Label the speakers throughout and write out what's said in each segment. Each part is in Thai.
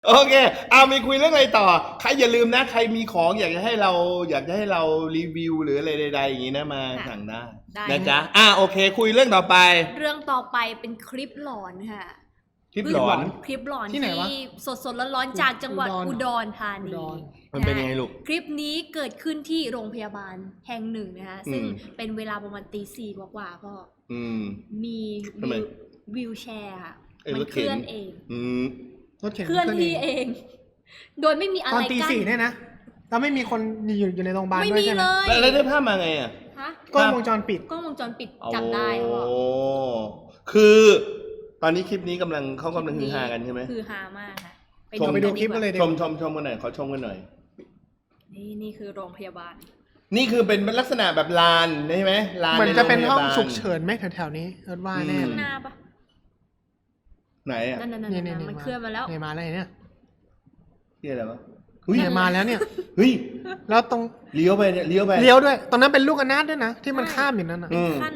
Speaker 1: โอเคมีคุยเรื่องอะไรต่อใครอย่าลืมนะใครมีของอยากจะให้เรารีวิวหรืออะไรใดๆอย่างนี้นะมาสั่งได้นะจ๊ะโอเคคุยเรื่องต่อไป
Speaker 2: เรื่องต่อไปเป็นคลิปหลอนค่ะ
Speaker 1: คลิปหลอน
Speaker 2: ที่สดร้อนๆจากจังหวัดอุดรธานี
Speaker 1: มันเป็นยังไงลูก
Speaker 2: คลิปนี้เกิดขึ้นที่โรงพยาบาลแห่งหนึ่งนะคะซึ่งเป็นเวลาประมาณตี 4กว่าพ่อมีวิวแชร์ค่ะมันเคลื่อนเองเคลื่อนที่เองโดยไม่มีอะไรกั้น
Speaker 3: ตอนตี 4เนี่ยนะแล้วไม่มีคนอยู่ในโรงพยาบาลด้วยใช่ไหม
Speaker 1: แล้วได้ภาพมาไง
Speaker 3: กล้องวงจรปิด
Speaker 2: จับได้
Speaker 1: โอ้คือตอนนี้คลิปนี้เขากำลังฮือฮากันใช่ไหม
Speaker 2: ฮือฮามากค่ะ
Speaker 3: ไปดูคลิปกันเลย
Speaker 1: ชมกันหน่อยขอชมกันหน่อย
Speaker 2: นี่คือโรงพยาบาล
Speaker 1: นี่คือเป็นลักษณะแบบลานใช่ไหมลาน
Speaker 3: เหมือนจะเป็นห้องฉุกเฉินไหมแถวๆนี้ว่าแน่
Speaker 2: ข้างหน้าปะ
Speaker 1: ไหน
Speaker 2: นี่มันเคลื่อนมาแล้ว
Speaker 3: มาแล้วเนี่ย
Speaker 1: อะไรวะ
Speaker 3: เนี่ยมาแล้วเนี่ยแล้วตรง
Speaker 1: เลี้ยวไปเลี้ยว
Speaker 3: ด้วยตรงนั้นเป็นลูกอนาถด้วยนะที่มันข้ามอยู่นั่นน่ะ
Speaker 2: ขั้น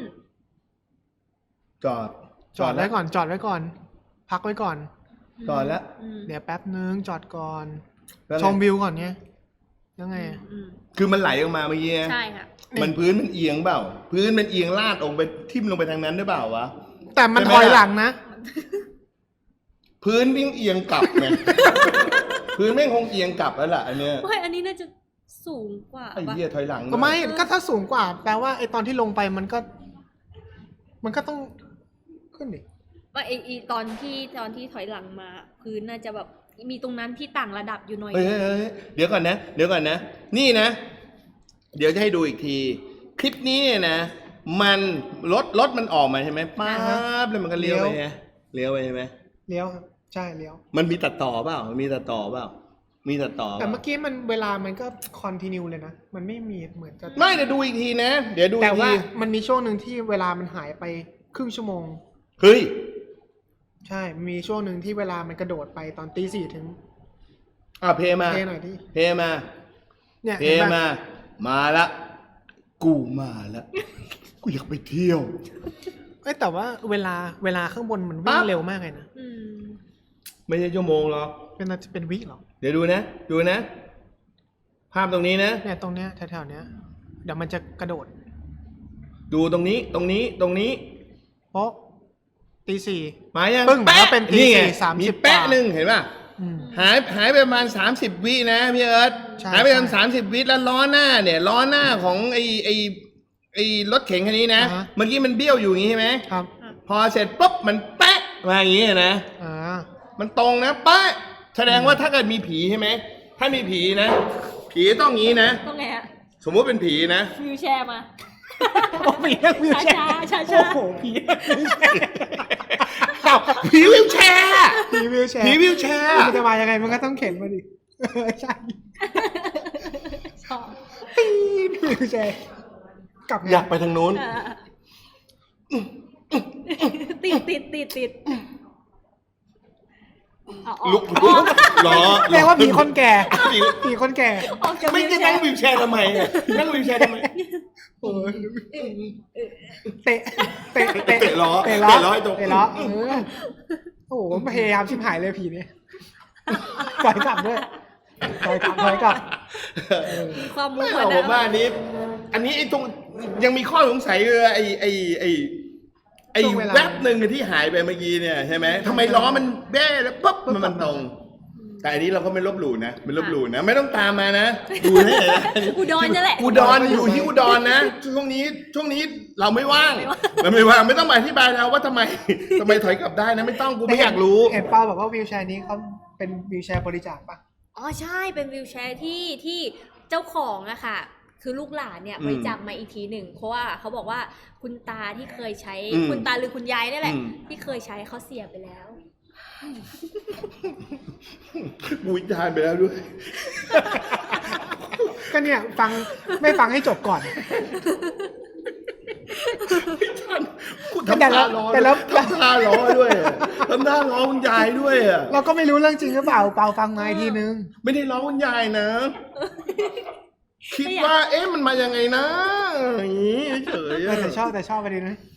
Speaker 1: จอด
Speaker 3: ไว้ก่อนพักไว้ก่อน
Speaker 1: จอดแล้ว
Speaker 3: เดี๋ยวแป๊บนึงจอดก่อนชมวิวก่อนไงยังไง
Speaker 1: คือมันไหลออกมาเมื่อกี้
Speaker 2: ใช่ค่ะ
Speaker 1: มันพื้นมันเอียงเปล่าพื้นมันเอียงลาดลงไปทิ่มลงไปทางนั้นได้เปล่าวะ
Speaker 3: แต่มันถอยหลังนะ
Speaker 1: พื้นวิ่งเอียงกลับไงพื้นแม่งคงเอียงกลับแล้วล่ะอันเนี้ย
Speaker 2: ไม่อันนี้น่าจะสูงกว่า
Speaker 1: ไอ้เหี้ยถอยหลัง
Speaker 3: ก็ไม่ก็ถ้าสูงกว่าแปลว่าไอ้ตอนที่ลงไปมันก็ต้องขึ้นดิ
Speaker 2: ว่าไอ้ตอนที่ถอยหลังมาพื้นน่าจะแบบมีตรงนั้นที่ต่างระดับอยู่หน่อย
Speaker 1: เดี๋ยวก่อนนะนี่นะเดี๋ยวจะให้ดูอีกทีคลิปนี้เนี่ยนะมันรถมันออกมาใช่ไหมป๊าบแล้วมันก็เลี้ยวไปใช่ไหมเลี้ยว
Speaker 3: ครับใช่เลี้ยว
Speaker 1: มันมีตัดต่อเปล่ามีตัดต่อ
Speaker 3: แต่เมื่อกี้มันเวลามันก็คอนทินิวเลยนะมันไม่มีเหมือนจะ
Speaker 1: ไม่เดี๋ยวดูอีกทีนะเดี๋ยวดู
Speaker 3: แต่ว่ามันมีช่วงหนึ่งที่เวลามันหายไปครึ่งชั่วโมง
Speaker 1: เฮ้ย
Speaker 3: ใช่มีช่วงหนึ่งที่เวลามันกระโดดไปตอนตี 4ถึง
Speaker 1: เพลมา
Speaker 3: หน่อยดิ
Speaker 1: เพมา
Speaker 3: เนี่ย
Speaker 1: เพมาละกูมาละกูอยากไปเที่ยว
Speaker 3: แต่ว่าเวลาข้างบนมันวิ่งเร็วมากเลยนะ
Speaker 1: ไม่ใช่ชั่วโมงหรอก
Speaker 3: เป็นวิหรอ
Speaker 1: เดี๋ยวดูนะภาพตรงนี้นะ
Speaker 3: เนี่ยตรงเนี้ยแถวๆเนี้ยเดี๋ยวมันจะกระโดด
Speaker 1: ดูตรงนี้
Speaker 3: เพราะตี 4
Speaker 1: มายัง
Speaker 3: ปึ้งแล้วเป็นตี 4 30
Speaker 1: มีแป๊ะนึงเห็นป่ะหายไปประมาณ30วินะพี่เอิร์ธหายไปประมาณ30วิแล้วล้อหน้าของไอ้รถเข็นคันนี้นะเมื่อกี้มันเบี้ยวอยู่อย่างงี้ใช่ไหม
Speaker 3: ครับ
Speaker 1: พอเสร็จปุ๊บมันแป๊ะมาอย่างงี้นะมันตรงนะแป๊ะแสดงว่าถ้าเกิดมีผีใช่ไหมถ้ามีผีนะผีต้องงี้นะ
Speaker 2: ต้องไง
Speaker 1: สมมติเป็นผีนะ
Speaker 2: วิวแชร์มา
Speaker 3: ผีวิวแชร์
Speaker 2: โอ้
Speaker 3: โหผีวิวแชร์
Speaker 1: ผีวิวแชร์
Speaker 3: มันจะมายังไงมันก็ต้องเข็นมาดิใช่ผีวิวแชร์กลับ
Speaker 1: อยากไปทางนู้น
Speaker 2: ติด
Speaker 1: ลุกล้อ
Speaker 3: แปลว่าผีคนแก่
Speaker 1: ไม่จะนั่งวิวแชร์ทำไมนั่งวิวแชร์ทำไม
Speaker 3: เตะล้อ
Speaker 1: ตรง
Speaker 3: โอ้โหพยายามชิบหายเลยผีเนี่ยถอยกลับ
Speaker 2: ความมุ่ง
Speaker 1: มั่นผมว่าอันนี้ไอ้ตรงยังมีข้อสงสัยเลยไอ้แวบหนึ่งที่หายไปเมื่อกี้เนี่ยใช่ไหมทำไมล้อมันแบ้แล้วปุ๊บมันตรงแต่อันนี้เราก็ไม่ลบหลู่นะไม่ต้องตามมานะดูนี่นะ
Speaker 2: อุดรนี่แหละ
Speaker 1: อุดรอยู่ที่อุดรนะช่วงนี้เราไม่ว่างไม่ต้องมาอธิบายเราว่าทำไมถอยกลับได้นะไม่ต้องกูไม่อยากรู้
Speaker 3: เห็นป้าบอกว่าวิวแชร์นี้เขาเป็นวิวแชร์บริจาคป่ะ
Speaker 2: ใช่เป็นวิวแชร์ที่เจ้าของอะค่ะคือลูกหลานเนี่ยบริจาคมาอีกทีหนึ่งเพราะว่าเขาบอกว่าคุณตาที่เคยใช้คุณตาหรือคุณยายนี่แหละที่เคยใช้เขาเสียไปแล้ว
Speaker 1: บูชาไปแล้วด้วย
Speaker 3: ก็เนี่ยไม่ฟังให้จบก่อน
Speaker 1: ทำท่าล้อด้วยทำท่าล้อคุณยายด้วย
Speaker 3: เราก็ไม่รู้เรื่องจริงหรือเปล่าฟังมาอีกทีนึง
Speaker 1: ไม่ได้ล้อคุณยายนะคิดว่ามันมายังไงนะอย่างนี้เฉย
Speaker 3: แต่ชอบไปดีนะ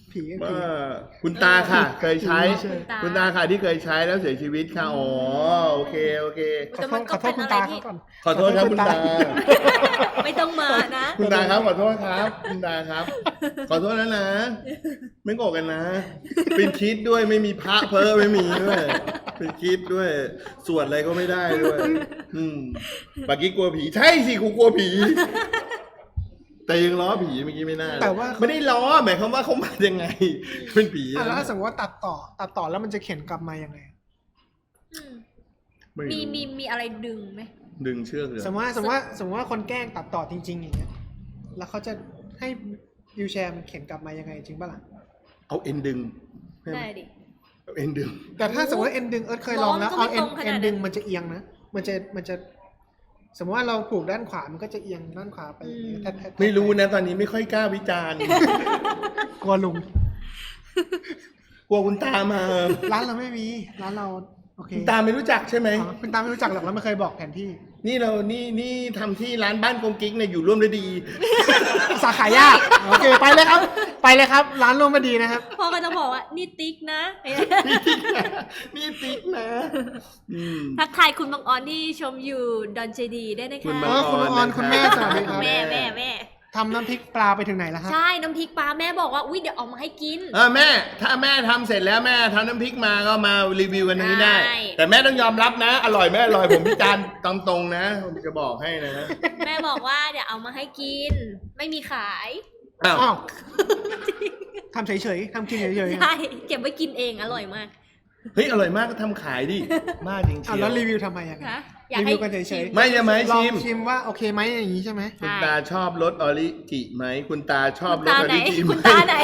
Speaker 3: ผี
Speaker 1: ว่าคุณตาค่ะ เคยใช้
Speaker 2: คุณตา
Speaker 1: คุณตาค่ะที่เคยใช้แล้วเสียชีวิตค่ะอ๋อโอเคโอเค
Speaker 2: แต่มัน
Speaker 3: ข
Speaker 2: ก็
Speaker 3: อโท
Speaker 2: เป็
Speaker 3: ษ
Speaker 2: น
Speaker 3: คุณ
Speaker 2: อะไร
Speaker 3: ตา
Speaker 2: ที่
Speaker 3: เขาก่อน
Speaker 1: ขอโทษครับคุณตา
Speaker 2: ไม่ต้องมานะ
Speaker 1: คุณตาครับขอโทษครับ คุณตาครับ ขอโทษแล้วนะ ไม่โกรธกันนะ เป็นคิดด้วยไม่มีพระเพ้อไม่มีด้วยเป็นคิดด้วยสวดอะไรก็ไม่ได้ด้วยปากี้กลัวผีใช่สิกูกลัวผี แต่ยังล้อผีเมื่อกี้ไม่น่า
Speaker 3: แต่ว่า
Speaker 1: ไม่ได้ล้อหมายความว่าเขามายังไง เป็นผี
Speaker 3: อ่ะแล้ว
Speaker 1: นะ
Speaker 3: ถ้าสมมติว่าตัดต่อแล้วมันจะเขียนกลับมายังไง
Speaker 2: อืม
Speaker 1: ไม่รู้
Speaker 2: มีอะไรดึงไหม
Speaker 1: ดึงเชือกเลย
Speaker 3: สมมติว่าคนแกล้งตัดต่อจริง ๆ อย่างเงี้ยแล้วเขาจะให้วิวแชร์มันเขียนกลับมายังไงจริงปะล่ะ
Speaker 1: เอาเอ็นดึง
Speaker 2: ได้ดิ
Speaker 1: เอาเอ็นดึง
Speaker 3: แต่ถ้าสมมติว่าเอ็นดึงเอิร์ธเคยลองแล้ว
Speaker 2: ล้อมันก็
Speaker 3: เอา
Speaker 2: ไม่
Speaker 3: เอ็น
Speaker 2: ตรงขนาดนั้น
Speaker 3: ดึงมันจะเอียงนะมันจะสมมติว่าเราผูกด้านขวามันก็จะเอียงด้านขวาไปอย่างเงี้ยแทะๆ
Speaker 1: ไม่รู้นะตอนนี้ไม่ค่อยกล้าวิจารณ์
Speaker 3: กลัวลุง
Speaker 1: กลัวคุณตามา
Speaker 3: ร้านเราไม่มีร้านเราโอเค
Speaker 1: คุณตาไม่รู้จักใช่ไหม
Speaker 3: อ๋อคุณตาไม่รู้จักหรอกแล้วไม่เคยบอกแผนที่
Speaker 1: นี่ทำที่ร้านบ้านกงกิ๊กเนี่ยอยู่ร่วมด้วยดี
Speaker 3: สาขายากโอเคไปเลยครับ ไปเลยครับ ร้านร่วมมาดีนะครับ
Speaker 2: พ่อก็จะบอกว่านี่ติ๊กนะ
Speaker 1: นี่ติ๊กนะอืม
Speaker 2: ทักทายคุณบางออนที่ชมอยู่ดอนเจดีได้นะ
Speaker 1: คุณ
Speaker 2: คะ
Speaker 1: บาง
Speaker 3: คุณออนคุณแม่สวัสดีครับ
Speaker 2: แม่
Speaker 3: ทำน้ำพริกปลาไปถึงไหนแล้วครับ
Speaker 2: ใช่น้ำพริกปลาแม่บอกว่าอุ้ยเดี๋ยวเอามาให้กิน
Speaker 1: แม่ ถ้าแม่ทำเสร็จแล้วแม่ทำน้ำพริกมาก็มารีวิวกันตรงนี้ได้
Speaker 2: ได้
Speaker 1: แต่แม่ต้องยอมรับนะ อร่อยไม่อร่อยผมพิจารณ์ตามตรงนะผมจะบอกให้นะ
Speaker 2: แม่บอกว่าเดี๋ยวเอามาให้กิน ไม่มีขาย
Speaker 1: อ้าว
Speaker 3: อ้าวทำเฉยๆทำกินเฉยๆ
Speaker 2: ใช่เก็บไว้กินเองอร่อยมาก
Speaker 1: เฮ้ยอร่อยมากก็ทำขายดิมากจริง
Speaker 3: อ่ะ
Speaker 1: เชีย
Speaker 3: แล้ว
Speaker 1: ว
Speaker 3: รีวิวทำไมยังไง
Speaker 2: นะอยาก
Speaker 3: รี
Speaker 2: ให้
Speaker 3: วิวกันเฉยๆ
Speaker 1: ไม่จะไหม
Speaker 3: ลอง
Speaker 1: ชิม
Speaker 3: ชิมว่าโอเคไหมอย่างนี้ใช่ไหม
Speaker 1: คุณตาชอบรสออริจิไหมคุณตาชอบ
Speaker 2: คุณ
Speaker 1: รส
Speaker 2: ตา
Speaker 1: ออ
Speaker 2: ไหน
Speaker 1: ริจิไหม
Speaker 2: คุณตาไหน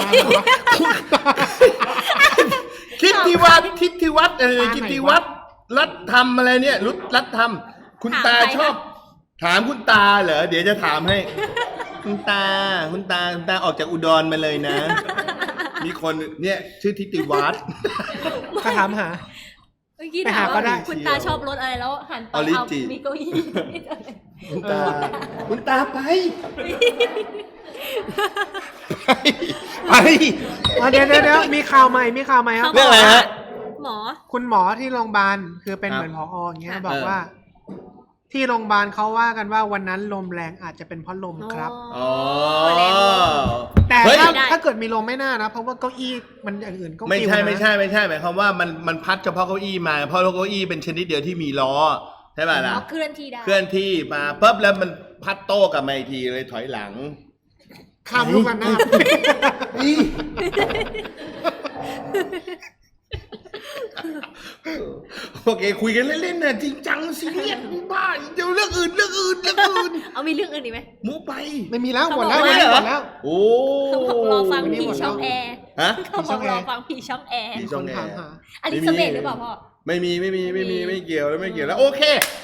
Speaker 1: คิดที่วัดคิดที่วัดคิดที่วัดรัฐธรรมอะไรเนี่ยรัฐธรรมคุณตาชอบ ถามคุณตาเหรอเดี๋ยวจะถามให้ คุณตาออกจากอุดรมาเลยนะ มีคนเนี่ยชื่อทิติวัฒน์
Speaker 3: ก็ถามหา
Speaker 2: เมื่อกี้
Speaker 3: ไป
Speaker 2: ถา
Speaker 3: หาม ก็
Speaker 2: ว่า
Speaker 3: ได้
Speaker 2: คุณตาชอบรสอะไรแล้วหันไป
Speaker 1: ออริ
Speaker 2: เอา
Speaker 1: จิ
Speaker 2: มีเก้าอี้
Speaker 1: คุณตาไป
Speaker 3: เดี๋ยวมีข่าวใหม่ครับ
Speaker 1: เรื่องอะไรฮะ
Speaker 2: หมอ
Speaker 3: คุณหมอที่โรงพยาบาลคือเป็น
Speaker 1: ครับ
Speaker 3: เหมือนผออย่างเงี้ย
Speaker 2: ค่ะ
Speaker 3: บอกว่า ที่โรงพยาบาลเขาว่ากันว่าวันนั้นลมแรงอาจจะเป็นเพราะลมครับ
Speaker 1: อ๋อ
Speaker 2: แรง
Speaker 3: แต่
Speaker 1: เฮ้ย
Speaker 3: ถ้าเกิดมีลมไม่น่านะเพราะว่าเก้าอี้มันอย่างอื่นก็
Speaker 1: ไม่ใช่
Speaker 3: ปลิวนะ
Speaker 1: ไม่ใช่หมายความว่ามันพัดเฉพาะเก้าอี้มาเพราะเก้าอี้เป็นชนิดเดียวที่มีล้อใช่ป่ะล่ะ
Speaker 2: เคลื่อนที่ได้
Speaker 1: เคลื่อนที่มาปุ๊บแล้วมันพัดโต้กลับมาอีกทีเลยถอยหลัง
Speaker 3: ข้ามลูกกันนะ
Speaker 1: โอเคคุยกันเล่นๆนะจริงจังซีเรียสบ้าเดี๋ยวเรื่องอื่น
Speaker 2: เอามีเรื่องอื่นอีกไหม
Speaker 1: มูไป
Speaker 3: ไม่มีแล้วหมดแล้ว
Speaker 1: ไม่
Speaker 3: วัน
Speaker 1: เหร
Speaker 3: นี้
Speaker 1: อ
Speaker 3: หมดแล้ว
Speaker 1: โอ้
Speaker 2: เขาบอกรอฟัง
Speaker 3: วันนี้
Speaker 2: ผี
Speaker 3: หมดแล้ว
Speaker 2: ช่องแอร์
Speaker 1: ฮะ
Speaker 2: เขาบอกรอฟังผีช่องแอร์
Speaker 1: ผี
Speaker 3: มีคนถามหา
Speaker 2: อลิซาเบธหรือเปล่าพ่อ
Speaker 1: ไม่มีไม่เกี่ยวแล้วโอเค